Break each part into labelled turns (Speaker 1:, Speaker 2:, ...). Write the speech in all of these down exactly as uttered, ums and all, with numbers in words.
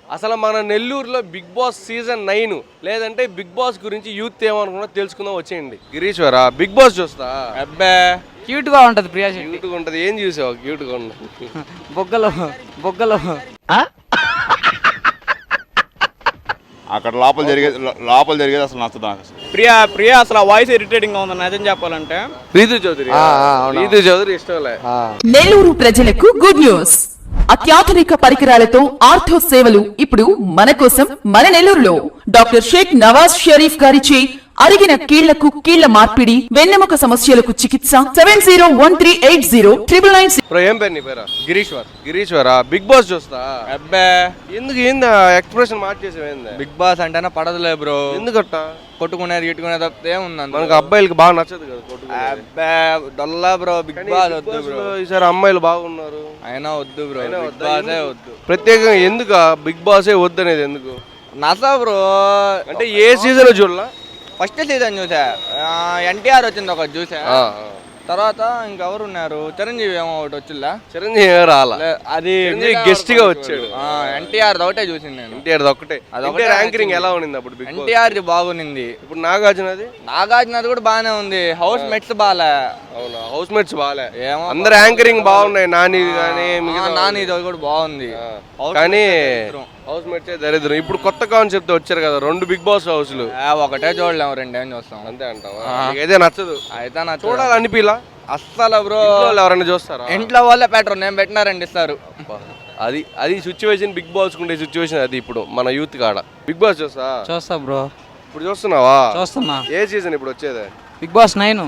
Speaker 1: అసలు మన నెల్లూరులో బిగ్ బాస్ సీజన్ నైన్ లేదంటే బిగ్ బాస్ గురించి యూత్ ఏమనుకున్నా తెలుసుకుందాం వచ్చేయండి. గిరీశ్వర బిగ్ బాస్ చూస్తా
Speaker 2: అబ్బే క్యూట్ గా ఉంటది ప్రియా శెట్టి.
Speaker 1: క్యూట్ గా ఉంటది. ఏం చూసావు క్యూట్ గా ఉన్నది?
Speaker 2: బొగ్గలు బొగ్గలు
Speaker 3: అక్కడ లోపల జరిగేది లోపల జరిగేది అసలు నచ్చదు నాకు అసలు.
Speaker 4: ప్రియా ప్రియా అసలు వాయిస్ ఇరిటేటింగ్ గా ఉంది నిజం చెప్పాలంటే.
Speaker 1: రీతు చౌదరి రీతు చౌదరి ఇష్టంలే.
Speaker 5: నెల్లూరు ప్రజలకు గుడ్ న్యూస్. అత్యాధునిక పరికరాలతో ఆర్థో సేవలు ఇప్పుడు మన కోసం మన నెల్లూరులో డాక్టర్ షేక్ నవాజ్ షరీఫ్ గారిచే అరిగిన కీళ్లకు కీళ్ల మార్పిడి, వెన్నెముక సమస్యలకు చికిత్స. Seven zero one three eight zero triple nine.
Speaker 1: ఏం పేరు నీ పేరా? గిరీశ్వర్. గిరీశ్వర బిగ్ బాస్ చూస్తా.
Speaker 2: అబ్బే
Speaker 1: ఎందుకు ఏందా ఎక్స్ప్రెషన్ మార్చేసావు? ఏందా
Speaker 2: బిగ్ బాస్ అంటేనే పడదులే బ్రో.
Speaker 1: ఎందుకట్ట?
Speaker 2: కొట్టుకునేది గిట్టుకునేది తప్పితే ఏముంది
Speaker 1: మనకు అబ్బాయిలకి బాగా నచ్చదు కదా కొట్టుకునేది.
Speaker 2: అబ్బే డొల్లా బ్రో. బిగ్ బాస్ వద్దు బ్రో.
Speaker 1: ఈసారి అమ్మాయిలు బాగున్నారు
Speaker 2: అయినా వద్దు బ్రో. బిగ్ బాసే వద్దు.
Speaker 1: ప్రత్యేకంగా ఎందుకు బిగ్ బాసే వద్దు అనేది ఎందుకు?
Speaker 2: నసా బ్రో.
Speaker 1: అంటే ఏ సీజన్ చూడలా?
Speaker 2: ఫస్ట్ సీజన్ చూసా, ఎన్టీఆర్ వచ్చింది ఒకటి చూసా. తర్వాత ఇంకెవరు ఉన్నారు, చిరంజీవి ఏమో ఒకటి వచ్చిందా.
Speaker 1: చిరంజీవి రాలా,
Speaker 2: అది
Speaker 1: గెస్ట్ గా వచ్చాడు.
Speaker 2: ఎన్టీఆర్ ఒకటే చూసింది నేను.
Speaker 1: ఎన్టీఆర్ ఒకటే. అదొకటే ర్యాంకింగ్ ఎలా ఉంది అప్పుడు?
Speaker 2: ఎన్టీఆర్ బాగునింది.
Speaker 1: ఇప్పుడు నాగార్జునది
Speaker 2: నాగార్జునది కూడా బాగానే ఉంది. హౌస్ మేట్స్ బాగాలే.
Speaker 1: అవునా? హౌస్ మేట్స్ బాగాలే. ఏమో అందరు యాంకరింగ్ బాగున్నాయి. నాని కానీ
Speaker 2: నాని కూడా బాగుంది
Speaker 1: కానీ హౌస్ మేట్సే దరిద్రం. ఇప్పుడు కొత్త కాన్సెప్ట్ వచ్చారు కదా రెండు బిగ్ బాస్ హౌస్లు.
Speaker 2: ఒకటే చూడలేము, రెండేం చూస్తాం
Speaker 1: అంతే అంటావా? అయితే నచ్చదు.
Speaker 2: అయితే నా
Speaker 1: చూడాలనిపిలా
Speaker 2: అస్సలు బ్రో.
Speaker 1: ఎవరైనా చూస్తారా?
Speaker 2: ఇంట్లో వాళ్ళే పెట్టరు, నేను పెట్టినారండి ఇస్తారు.
Speaker 1: అది అది సిచ్యువేషన్. బిగ్ బాస్ ఉండే సిచ్యువేషన్ అది ఇప్పుడు మన యూత్ కాడ. బిగ్ బాస్ చూస్తా
Speaker 2: చూస్తా బ్రో.
Speaker 1: ఇప్పుడు చూస్తున్నావా?
Speaker 2: చూస్తున్నా.
Speaker 1: ఏ సీజన్ ఇప్పుడు వచ్చేది?
Speaker 2: Big boss nine.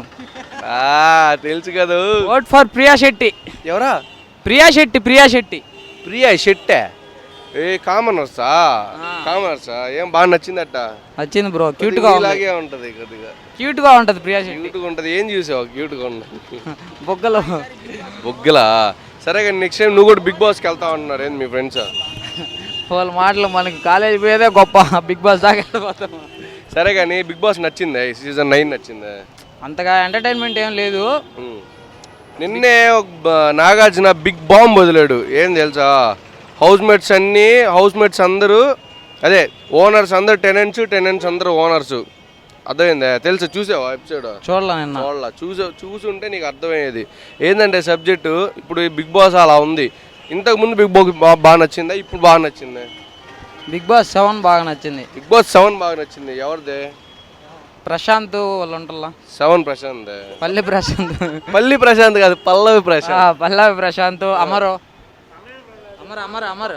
Speaker 1: తెలుసు కదా.
Speaker 2: Vote for Priya Shetty.
Speaker 1: ఎవరా?
Speaker 2: ప్రియా శెట్టి. ప్రియా శెట్టి.
Speaker 1: ప్రియా శెట్టే. ఏ కామనర్సా? కామనర్సా? ఏం బాగా నచ్చిందట?
Speaker 2: నచ్చింది బ్రో. క్యూట్ గా
Speaker 1: ఇలాగే ఉంటది కొద్దిగా.
Speaker 2: క్యూట్ గా ఉంటది ప్రియా శెట్టి.
Speaker 1: క్యూట్ గా ఉంటది. ఏం చూసావు క్యూట్ గా ఉన్నది?
Speaker 2: బొగ్గలు
Speaker 1: బొగ్గలా? సరే కానీ నెక్స్ట్ టైం నువ్వు కూడా బిగ్ బాస్కి వెళ్తావు అంటున్నారు ఏంది మీ ఫ్రెండ్స్?
Speaker 2: వాళ్ళ మాటలు మనకి కాలేజీ పోయేదే గొప్ప, బిగ్ బాస్ దాకా వెళ్ళిపోతాం.
Speaker 1: సరే కానీ బిగ్ బాస్ నచ్చిందా? ఈ సీజన్ నైన్ నచ్చిందా?
Speaker 2: అంతగా ఎంటర్టైన్మెంట్ ఏం లేదు.
Speaker 1: నిన్నే నాగార్జున బిగ్ బాంబ్ వదిలాడు. ఏం తెలుసా? హౌస్ మేట్స్ అన్నీ హౌస్ మేట్స్ అందరూ అదే ఓనర్స్ అందరు టెనెంట్స్, టెనెంట్స్ అందరూ ఓనర్స్. అర్థమైందా? తెలుసా? చూసావా ఎపిసోడ్?
Speaker 2: చూడలా నిన్న.
Speaker 1: చూడలా. చూసా చూసుంటే నీకు అర్థమయ్యేది. ఏంటంటే సబ్జెక్టు ఇప్పుడు బిగ్ బాస్ అలా ఉంది. ఇంతకు ముందు బిగ్ బాస్ బాగా నచ్చిందా? ఇప్పుడు బాగా నచ్చిందా?
Speaker 2: బిగ్ బాస్ సెవెన్ బాగా నచ్చింది.
Speaker 1: బిగ్ బాస్ సెవెన్ బాగా నచ్చింది. ఎవరిదే?
Speaker 2: ప్రశాంత్ వాళ్ళు ఉంటారా?
Speaker 1: సెవెన్ ప్రశాంత్.
Speaker 2: పల్లి ప్రశాంత్.
Speaker 1: పల్లి ప్రశాంత్ కాదు, పల్లవి ప్రశాంత్.
Speaker 2: పల్లవి ప్రశాంత్. అమరు అమర్ అమర్ అమర్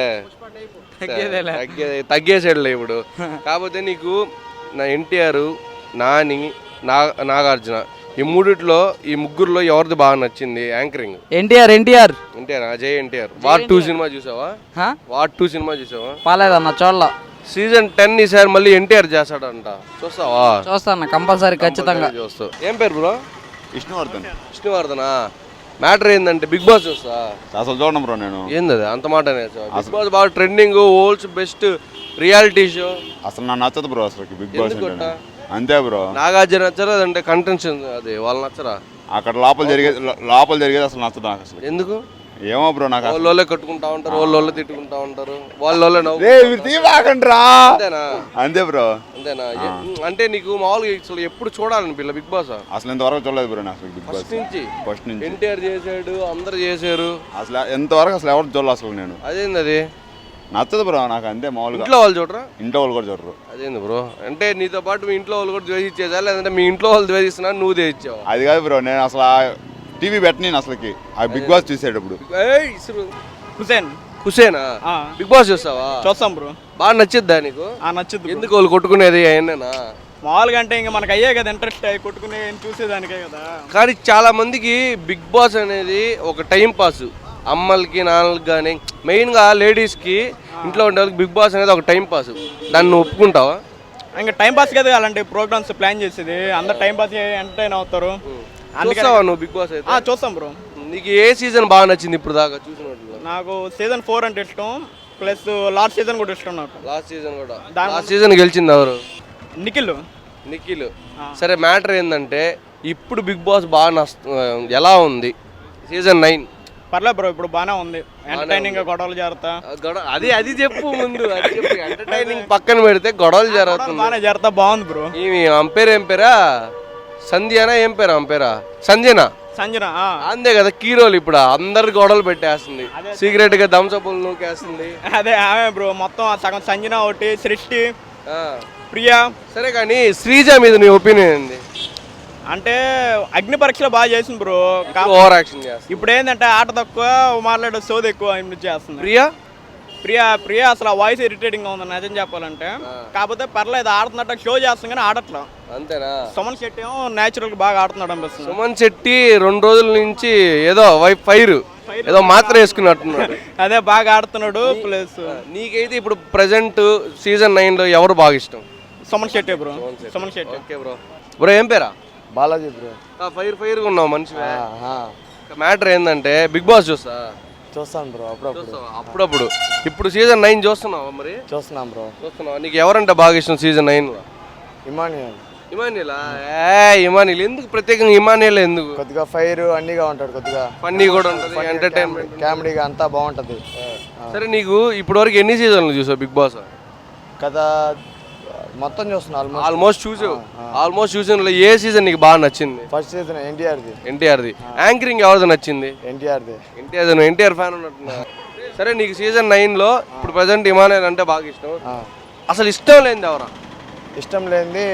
Speaker 1: తగ్గేసాడులే ఇప్పుడు. కాకపోతే నీకు నా ఎన్టీఆర్, నాని, నా నాగార్జున ఈ మూడిట్లో ఈ ముగ్గురులో ఎవరిది బాగా నచ్చింది anchoring?
Speaker 2: NTR. NTR
Speaker 1: NTR Ajay NTR. War two cinema చూసావా? వార్ టూ సినిమా చూసావా?
Speaker 2: పాలేదన్న చూడలా.
Speaker 1: సీజన్ టెన్ ఈసారి మళ్ళీ ఎన్టీఆర్ చేస్తాడంట. చూస్తావా?
Speaker 2: చూస్తాను కంపల్సరీ, ఖచ్చితంగా
Speaker 1: చూస్తావు. ఏం పేరు బ్రో?
Speaker 3: విష్ణువర్ధన్.
Speaker 1: విష్ణువర్ధనా? మ్యాటర్ ఏంటంటే బిగ్ బాస్ చూస్తా
Speaker 3: అసలు చూడను బ్రో నేను.
Speaker 1: ఏంది అంత మాట? బిగ్ బాస్ బాగా trending, world's best reality show.
Speaker 3: అసలు నాకు నచ్చదు బ్రో అసలు బిగ్ బాస్ అంతే బ్రో.
Speaker 1: నాగార్జున నచ్చరా? అంటే కంటెంట్స్ అది వాళ్ళు నచ్చరా?
Speaker 3: అక్కడ లోపల జరిగేది లోపల జరిగేది అసలు నచ్చదు నాకు అసలు.
Speaker 1: ఎందుకు?
Speaker 3: ఏమో బ్రో. నాకు
Speaker 1: వాళ్ళే కట్టుకుంటా ఉంటారు, వాళ్ళ తిట్టుకుంటా ఉంటారు, వాళ్ళ అంతేనా?
Speaker 3: అంతే బ్రో.
Speaker 1: అంతేనా? అంటే నీకు మామూలుగా అసలు ఎప్పుడు చూడాలని పిల్ల బిగ్ బాస్?
Speaker 3: అసలు ఇంతవరకు చూడలేదు బ్రో నాకు బిగ్ బాస్
Speaker 1: నుంచి.
Speaker 3: ఫస్ట్ నుంచి
Speaker 1: ఎన్టీఆర్ చేసాడు, అందరు చేశారు.
Speaker 3: అసలు ఎంతవరకు అసలు ఎవరు చూడలేదు అసలు నేను.
Speaker 1: అదేంది అది?
Speaker 3: నచ్చదు బ్రో నాకు అంతే. మామూలుగా
Speaker 1: ఇంట్లో వాళ్ళు చూడరా?
Speaker 3: ఇంట్లో వాళ్ళు కూడా చూడరు.
Speaker 1: అదేంది బ్రో? అంటే నీతో పాటు మీ ఇంట్లో వాళ్ళు కూడా ద్వేషించేదా, లేదంటే మీ ఇంట్లో వాళ్ళు ద్వేషిస్తున్నా నువ్వు ద్వేషించావు?
Speaker 3: అది కాదు బ్రో. నేను అసలు టీవీ పెట్టని అసలుకి ఆ బిగ్ బాస్ చూసేటప్పుడు.
Speaker 4: హుసేన్.
Speaker 1: హుసేనా? బిగ్ బాస్ చూస్తావా?
Speaker 4: చూస్తాం బ్రో.
Speaker 1: బాగా నచ్చిద్దా నీకు?
Speaker 4: నచ్చుద్ది.
Speaker 1: ఎందుకు వాళ్ళు కొట్టుకునేది అయినా?
Speaker 4: మామూలుగా అంటే ఇంకా మనకు అయ్యే కదా ఇంట్రెస్ట్ కొట్టుకునే చూసేదానికే కదా.
Speaker 1: కానీ చాలా మందికి బిగ్ బాస్ అనేది ఒక టైం పాస్. అమ్మలకి, నాన్నలకి కానీ మెయిన్గా లేడీస్కి, ఇంట్లో ఉండే వాళ్ళకి బిగ్ బాస్ అనేది ఒక టైం పాస్. దాన్ని నువ్వు ఒప్పుకుంటావా?
Speaker 4: ఇంకా టైం పాస్ కదా అలాంటి ప్రోగ్రామ్స్ ప్లాన్ చేసేది. అందరు టైం పాస్ ఎంటర్టైన్ అవుతారు.
Speaker 1: చూస్తావా నువ్వు బిగ్ బాస్ అయితే?
Speaker 4: చూస్తాం బ్రో.
Speaker 1: నీకు ఏ సీజన్ బాగా నచ్చింది ఇప్పుడు దాకా చూసినట్లు?
Speaker 4: నాకు సీజన్ ఫోర్ అంటే ఇష్టం, ప్లస్ లాస్ట్ సీజన్ కూడా ఇష్టం నాకు.
Speaker 1: లాస్ట్ సీజన్ కూడా. లాస్ట్ సీజన్ గెలిచింది ఎవరు?
Speaker 4: నిఖిల్.
Speaker 1: నిఖిల్. సరే మ్యాటర్ ఏంటంటే ఇప్పుడు బిగ్ బాస్ బాగా నష్ట ఎలా ఉంది? సీజన్ నైన్
Speaker 4: పర్లేదు బ్రో ఇప్పుడు బాగానే ఉంది ఎంటర్టైనింగ్ గా గొడవలు జరుగుతా
Speaker 1: ఆ గొడవ అది అది చెప్పు ముందు అది చెప్పు ఎంటర్టైనింగ్ పక్కన పెడితే గొడవలు జరుగుతుంది
Speaker 4: బాగానే జరుగుతా బాగుంది బ్రో.
Speaker 1: ఈమె అంపేర్ ఏం పేరా సంధ్యనా ఏం పేరా అంపేరా సంజన
Speaker 4: సంజన ఆ.
Speaker 1: అంతే కదా కీరోలు ఇప్పుడు అందరు గొడవలు పెట్టేస్తుంది సీక్రెట్ గా దంసపులు నూకేస్తుంది
Speaker 4: అదే ఆమె బ్రో మొత్తం ఆ సగం సంజన ఒకటి సృష్టి
Speaker 1: ఆ.
Speaker 4: ప్రియా.
Speaker 1: సరే కానీ శ్రీజ మీద నీ ఒపీనియన్ ఏంది
Speaker 4: అంటే అగ్ని పరీక్షలో బాగా చేసింది బ్రో. కా-
Speaker 1: ఓవర్ యాక్షన్ చేస్తుంది
Speaker 4: ఇప్పుడు ఏంటంటే ఆట తక్కువ మాట్లాడే సోది ఎక్కువ ఆయన చేస్తుంది.
Speaker 1: ప్రియా
Speaker 4: ప్రియా ప్రియా అసలు ఆ వాయిస్ ఇరిటేటింగ్ గా ఉంది నిజం చెప్పాలంటే. కాకపోతే పర్లేదు ఆడుతున్నట్టు షో చేస్తుంది కానీ ఆడట్లా.
Speaker 1: అంతేనా
Speaker 4: సుమన్ శెట్టి ఏమో న్యాచురల్ గా బాగా ఆడుతున్నాడు అనిపిస్తుంది.
Speaker 1: సుమన్ శెట్టి రెండు రోజుల నుంచి ఏదో వైఫ్ ఫైర్ ఏదో మాత్రం వేసుకున్నట్టున్నాడు
Speaker 4: అదే బాగా ఆడుతున్నాడు. ప్లస్
Speaker 1: నీకైతే ఇప్పుడు ప్రెసెంట్ సీజన్ నైన్ లో ఎవరు బాగా ఇష్టం
Speaker 4: Suman Shetty bro. Suman Shetty
Speaker 1: okay bro bro ఏం పేరా
Speaker 6: బాలాజీ బ్రో.
Speaker 1: ఫైర్ ఫైర్ గా ఉన్నావు మనిషి మ్యాటర్ ఏంటంటే బిగ్ బాస్ చూస్తా
Speaker 6: చూస్తాను బ్రో అప్పుడప్పుడు
Speaker 1: చూస్తావా? అప్పుడప్పుడు ఇప్పుడు సీజన్ నైన్ చూస్తున్నావా మరి
Speaker 6: చూస్తున్నాం బ్రో.
Speaker 1: చూస్తున్నావా నీకు ఎవరంటే బాగా ఇష్టం సీజన్ నైన్ లో
Speaker 6: ఇమాన్యుయల్
Speaker 1: ఇమానియలా ఏ ఇమానియల్ ఎందుకు ప్రత్యేకంగా ఇమానియల్ ఎందుకు
Speaker 6: కొద్దిగా ఫైర్ అన్నీగా ఉంటాడు, కొద్దిగా
Speaker 1: ఫన్నీ కూడా ఉంటుంది ఎంటర్టైన్మెంట్
Speaker 6: కామెడీగా అంతా బాగుంటది.
Speaker 1: సరే నీకు ఇప్పటి వరకు ఎన్ని సీజన్లు చూసావు బిగ్ బాస్
Speaker 6: కథ మొత్తం చూస్తున్నా ఆల్మోస్ట్.
Speaker 1: ఆల్మోస్ట్ చూసావు ఆల్మోస్ట్ చూసిన ఏ సీజన్ నీకు బాగా నచ్చింది
Speaker 6: ఫస్ట్ సీజన్ ఎన్టీఆర్ది.
Speaker 1: ఎన్టీఆర్ది యాంకరింగ్ ఎవరిది నచ్చింది
Speaker 6: ఎన్టీఆర్ది.
Speaker 1: ఎన్టీఆర్ నువ్వు ఎన్టీఆర్ ఫ్యాన్ ఉన్నట్టున్నా సరే నీకు సీజన్ నైన్ లో ఇప్పుడు ప్రజెంట్ ఇమానియల్ అంటే బాగా ఇష్టం అసలు ఇష్టం లేనిది ఎవరా
Speaker 6: ఇష్టం లేనిది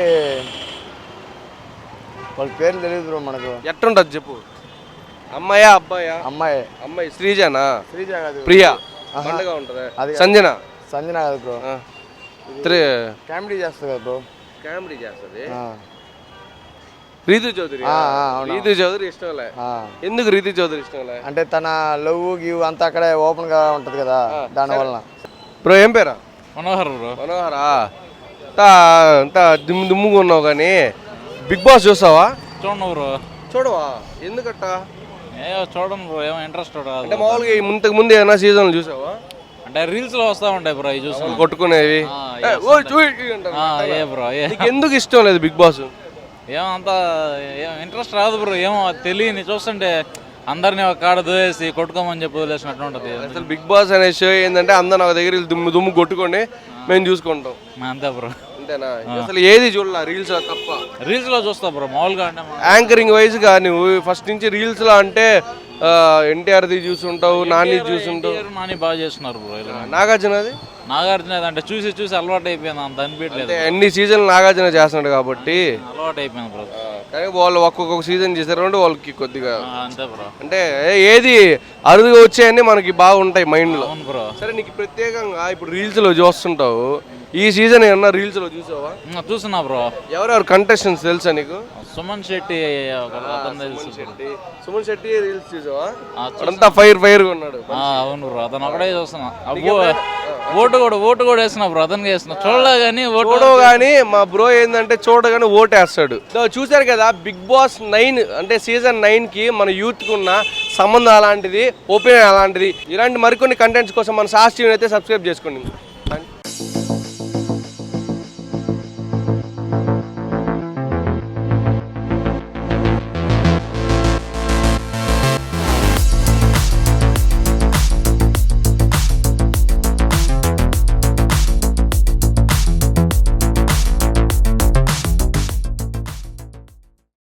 Speaker 6: వాళ్ళ పేర్లు తెలియదు బ్రో మనకు.
Speaker 1: ఎట్టుంటది చెప్పు అమ్మాయా అబ్బాయా
Speaker 6: అమ్మాయి
Speaker 1: అమ్మాయి శ్రీజనా
Speaker 6: శ్రీజ కాదు,
Speaker 1: ప్రియా పండుగ ఉంటది
Speaker 6: అది కాదు.
Speaker 1: సంజన
Speaker 6: సంజన కాదు బ్రో.
Speaker 1: త్రీ
Speaker 6: కామెడీ చేస్తుంది కదా బ్రో.
Speaker 1: కామెడీ చేస్తుంది
Speaker 6: ఆ.
Speaker 1: రీతు చౌదరి
Speaker 6: ఆ, ఆ, అవును.
Speaker 1: రీతు చౌదరి ఇష్టంలే
Speaker 6: ఆ.
Speaker 1: ఎందుకు రీతు చౌదరి ఇష్టంలే
Speaker 6: అంటే తన లవ్ గివ్ అంతా అక్కడే ఓపెన్ గా ఉంటది కదా, దాని వలన.
Speaker 1: బ్రో ఏం పేరా
Speaker 7: మనోహర్ బ్రో.
Speaker 1: మనోహరా అంతా అంతా దుమ్ము దుమ్ముగా ఉన్నావు కానీ బిగ్ బాస్ చూస్తావా
Speaker 7: చూడండి బ్రో.
Speaker 1: చూడవా ఎందుకట్ట
Speaker 7: ఏ చూడండి బ్రో, ఏమో ఇంట్రెస్ట్
Speaker 1: అంటే
Speaker 7: రాదు.
Speaker 1: మామూలుగా ఈ ముందుకు ముందు ఏమైనా సీజన్లు చూసావా
Speaker 7: అంటే రీల్స్ లో వస్తా ఉంటాయి బ్రో, ఇవి చూస్తాం.
Speaker 1: కొట్టుకునేవి
Speaker 7: ఆ,
Speaker 1: ఏ,
Speaker 7: yes,
Speaker 1: ఓయ్, చూయ్ అంటారు.
Speaker 7: ఆ, ఏ బ్రో ఏ
Speaker 1: నీకు ఎందుకు ఇష్టం లేదు బిగ్ బాస్
Speaker 7: ఏమో అంత ఏం ఇంట్రెస్ట్ రాదు బ్రో, ఏమో తెలియని చూస్తుంటే అందరిని ఒక కాడ దోయేసి కొట్టుకోమని చెప్పి వదిలేసినట్టు ఉంటుంది.
Speaker 1: అసలు బిగ్ బాస్ అనే షో ఏంటంటే అందరు నా దగ్గర వీళ్ళు దుమ్ము దుమ్ము కొట్టుకొని మేము చూసుకుంటాం
Speaker 7: అంతే బ్రో.
Speaker 1: అంతేనా అసలు ఏది చూడాల రీల్స్ తప్ప
Speaker 7: రీల్స్ లో చూస్తా బ్రో మామూలుగా. అంటే
Speaker 1: యాంకరింగ్ వైజ్ గా నువ్వు ఫస్ట్ నుంచి రీల్స్ లో అంటే ఎన్టీఆర్ది చూసుంటావు నాని చూసుంటావు
Speaker 7: ఎన్టీఆర్, నాని బాగా చేస్తున్నారు బ్రో. ఇలా
Speaker 1: నాగార్జునది
Speaker 7: నాగార్జున అంటే చూసి చూసి అలవాటు అయిపోయింది, అంత అనిపించలేదు.
Speaker 1: అంటే ఎన్ని సీజన్లు నాగార్జున చేస్తున్నాడు కాబట్టి
Speaker 7: అలవాటు అయిపోయింది బ్రో.
Speaker 1: కానీ వాళ్ళు ఒక్కొక్క సీజన్ చేశారు అంటే వాళ్ళకి కొద్దిగా
Speaker 7: ఆ, అంతే బ్రో.
Speaker 1: అంటే ఏది అరుదుగా వచ్చాయని మనకి బాగుంటాయి మైండ్ లో.
Speaker 7: అవును బ్రో.
Speaker 1: సరే నీకు ప్రత్యేకంగా ఇప్పుడు రీల్స్ లో చూస్తుంటావు ఈ సీజన్ ఏమన్నా రీల్స్ లో చూసావా
Speaker 7: ఇంకా చూస్తున్నా బ్రో.
Speaker 1: ఎవరెవరు కంటెస్టెంట్స్ తెలుసా నీకు
Speaker 7: సుమన్ శెట్టి ఒక అతను తెలుసు.
Speaker 1: సుమన్ శెట్టి రీల్స్ చూసావా
Speaker 7: ఆ,
Speaker 1: అంతా ఫైర్ ఫైర్ గా ఉన్నాడు
Speaker 7: ఆ, అవును బ్రో, అతను ఒకటే చూస్తున్నా. అబ్బో ఓటు కూడా ఓటు కూడా వేస్తున్నా బ్రో, అతనికి వేస్తున్నా. చూడలే కానీ ఓటు
Speaker 1: చూడవు కానీ మా బ్రో ఏంటంటే చూడగానే ఓటేస్తాడు. సో చూసారు కదా బిగ్ బాస్ నైన్ అంటే సీజన్ నైన్ కి మన యూత్ కు ఉన్న సంబంధం అలాంటిది, ఒపీనియన్ అలాంటిది. ఇలాంటి మరికొన్ని కంటెంట్స్ కోసం మన సాస్ టీవీని అయితే సబ్స్క్రైబ్ చేసుకోండి.